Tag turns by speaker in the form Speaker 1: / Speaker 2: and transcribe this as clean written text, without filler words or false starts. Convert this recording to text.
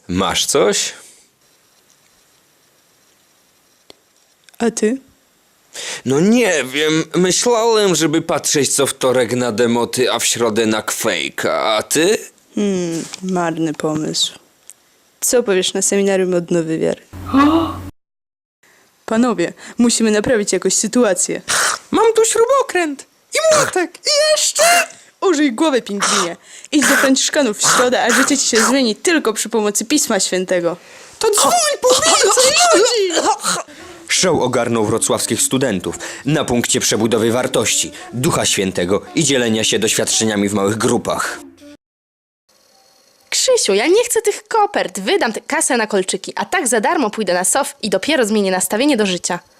Speaker 1: Masz coś?
Speaker 2: A ty?
Speaker 1: No nie wiem, myślałem, żeby patrzeć co wtorek na demoty, a w środę na Quake'a, a ty?
Speaker 2: Marny pomysł. Co powiesz na seminarium odnowy wiary? Panowie, musimy naprawić jakoś sytuację.
Speaker 1: Mam tu śrubokręt i młotek i jeszcze...
Speaker 2: Użyj głowy, pingwinie. Idź do Franciszkanów w środę, a życie ci się zmieni tylko przy pomocy Pisma Świętego.
Speaker 1: To dzwoń po więcej ludzi! Show ogarnął wrocławskich studentów na punkcie przebudowy wartości, Ducha Świętego i dzielenia się doświadczeniami w małych grupach.
Speaker 3: Krzysiu, ja nie chcę tych kopert. Wydam tę kasę na kolczyki, a tak za darmo pójdę na SOF i dopiero zmienię nastawienie do życia.